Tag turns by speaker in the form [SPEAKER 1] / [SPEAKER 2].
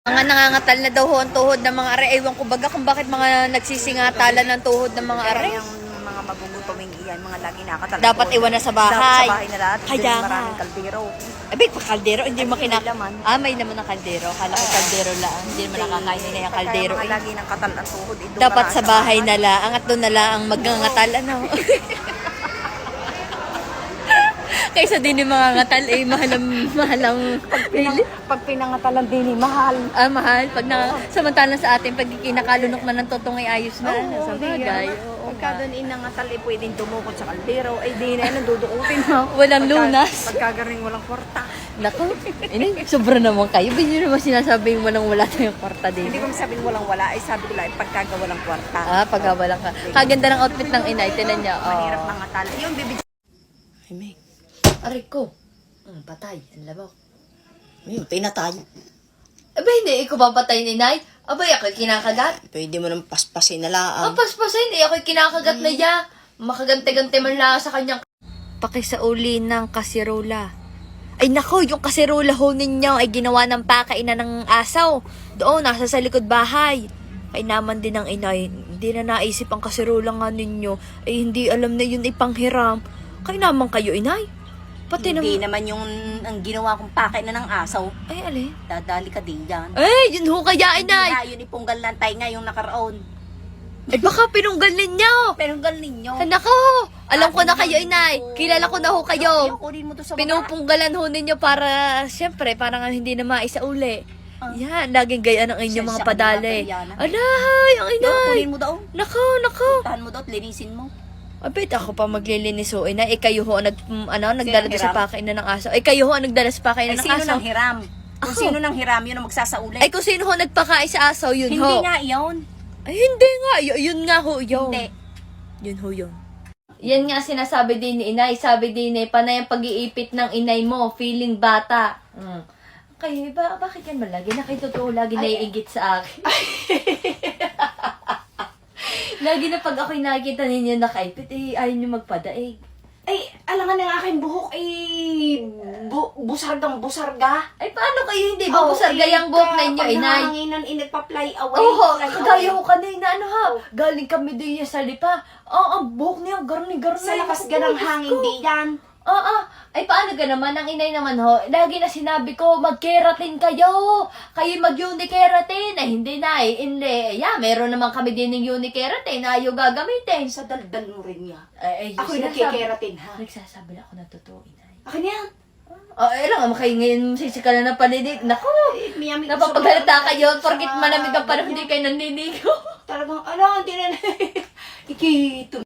[SPEAKER 1] Mga nangangatal na daw ho ang tuhod ng mga are. Ewan ko baga kung bakit mga nagsisingatalan ng tuhod ng mga are.
[SPEAKER 2] Yung mga magugutoming iyan, mga lagi nakatala.
[SPEAKER 1] Dapat iwan na sa bahay.
[SPEAKER 2] Dapat sa bahay na lahat.
[SPEAKER 1] Kaya
[SPEAKER 2] Kaya
[SPEAKER 1] nga.
[SPEAKER 2] maraming kaldero.
[SPEAKER 1] Abay, pa kaldero, hindi mo
[SPEAKER 2] May laman.
[SPEAKER 1] may naman ng kaldero. Kala ko kaldero lang. Hindi naman nakakain na yung kaldero.
[SPEAKER 2] Mga
[SPEAKER 1] Eh.
[SPEAKER 2] lagi ng katal ang tuhod.
[SPEAKER 1] Dapat sa bahay na lang. At doon na lang ang magngangatal. Ano? Kaysa din yung mga ngatal, eh, mahalang
[SPEAKER 2] Pag pinangatalan din, mahal.
[SPEAKER 1] mahal. Samantalang sa atin, pag kinakalunok man ng totong ay ayos na. Sa bagay. Oo
[SPEAKER 2] Pagka
[SPEAKER 1] nga.
[SPEAKER 2] doon inangatal, eh, pwedeng dumukot sa kaldero. Ay, di na, dudukutin mo.
[SPEAKER 1] Walang lunas.
[SPEAKER 2] Pagkagaring walang kwarta.
[SPEAKER 1] Naku, sobra naman kayo. Ba't nyo naman sinasabing walang-wala tayong kwarta din?
[SPEAKER 2] Hindi ko masabing walang wala. Ay, sabi ko lang, pagkaga walang kwarta.
[SPEAKER 1] Pagkawalan ka. Kaganda ng outfit ng inay. Tinan niya.
[SPEAKER 2] Mahirap mangatal. Yung bibig.
[SPEAKER 1] Ay, may. Aray ko. Patay. Ang labok.
[SPEAKER 3] Ayun, pinatay.
[SPEAKER 1] Aba, hindi. Ikaw ba patay ni inay? Abay, ako'y kinakagat.
[SPEAKER 3] Pwede mo nang paspasin na lang.
[SPEAKER 1] Paspasin. Ako'y kinakagat na ya. Makagante-gante man lang sa kanyang pakisauli ng kasirola. Ay nako, yung kasirola ho ninyo ay ginawa ng pakainan ng asaw. Doon, nasa sa likod bahay. Ay naman din ng inay, hindi na naisip ang kasirola nga ninyo. Ay hindi alam na yun ay panghiram. Kaya naman kayo inay. Pati
[SPEAKER 2] Hindi
[SPEAKER 1] naman.
[SPEAKER 2] naman yung ang ginawa kong pakay na ng asaw.
[SPEAKER 1] Ay alin?
[SPEAKER 2] Dadali ka din yan.
[SPEAKER 1] Ay, yun ho kaya
[SPEAKER 2] Hindi
[SPEAKER 1] inay.
[SPEAKER 2] nga, yun ipunggal lang tayo nga yung nakaraon.
[SPEAKER 1] Ay baka pinunggal ninyo.
[SPEAKER 2] Pero hanggang ninyo.
[SPEAKER 1] Ay nako, alam ko na kayo inay. Kilala ko na ho kayo.
[SPEAKER 2] Kunin mo to sa baba.
[SPEAKER 1] Pinupunggalan ho ninyo para, siyempre, parang hindi na maisauli. Yan, laging gaya ng inyong mga
[SPEAKER 2] Siyensya ka
[SPEAKER 1] padali.
[SPEAKER 2] na, Mariana.
[SPEAKER 1] Alay, ang
[SPEAKER 2] Yo,
[SPEAKER 1] inay.
[SPEAKER 2] kunin mo daw.
[SPEAKER 1] Nako, nako.
[SPEAKER 2] Tahan mo daw at linisin mo.
[SPEAKER 1] Abit, ako pa maglilinis ho. Ina, kayo ho, nagdala doon sa
[SPEAKER 2] hiram?
[SPEAKER 1] pakainan ng aso. Kayo ho, ang nagdala sa
[SPEAKER 2] Ay,
[SPEAKER 1] pakainan ng
[SPEAKER 2] sino
[SPEAKER 1] aso.
[SPEAKER 2] nang hiram? Kung
[SPEAKER 1] Ako.
[SPEAKER 2] sino nang hiram, yun ang magsasauli.
[SPEAKER 1] Ay, kung sino ho nagpakain sa aso, yun
[SPEAKER 2] Hindi
[SPEAKER 1] ho.
[SPEAKER 2] nga yun.
[SPEAKER 1] Ay, hindi nga. Yun nga ho, yun.
[SPEAKER 2] Hindi.
[SPEAKER 1] Yun ho, yun. Yan nga sinasabi din ni inay. Sabi din ni panay ang pag-iipit ng inay mo, feeling bata. Kayo, bakit yan malagi? Nakitotoo lagi naiigit sa akin. Lagi na pag ako'y nakikita ninyo nakaipit, ayaw nyo magpadaig.
[SPEAKER 2] Ay, alangan ng aking buhok ay busargang busarga.
[SPEAKER 1] Ay, paano kayo hindi ba busargayang buhok ninyo, inay?
[SPEAKER 2] Paghanginan, nagpa-fly away.
[SPEAKER 1] Oo,
[SPEAKER 2] fly
[SPEAKER 1] kagaya
[SPEAKER 2] away.
[SPEAKER 1] ko kanina, ano ha? Galing kami din sa lipa. Ang buhok niya, garni-garni.
[SPEAKER 2] Sa lakas ganang hangin di yan.
[SPEAKER 1] Oo. Ay, paano ka naman? Ang inay naman ho, lagi na sinabi ko, mag-keratin kayo. Kayo mag-unikeratin. Ay, hindi na eh. Hindi. Meron naman kami din ng unikeratin na ayaw gagamitin.
[SPEAKER 2] Sa daldal mo rin niya.
[SPEAKER 1] Ay,
[SPEAKER 2] Ako'y nagkikeratin, ha?
[SPEAKER 1] Nagsasabi na ako na totoo, inay.
[SPEAKER 2] Akin yan.
[SPEAKER 1] Lang, kayo ngayon sisika na ng paninig. Naku,
[SPEAKER 2] Miyami ko sa
[SPEAKER 1] napapaghalata
[SPEAKER 2] mga-
[SPEAKER 1] kayo.
[SPEAKER 2] sa
[SPEAKER 1] Porkit
[SPEAKER 2] mga
[SPEAKER 1] malamig ang panahon,
[SPEAKER 2] ganyan.
[SPEAKER 1] hindi kayo naninigo.
[SPEAKER 2] Talagang, hindi na. Ikito.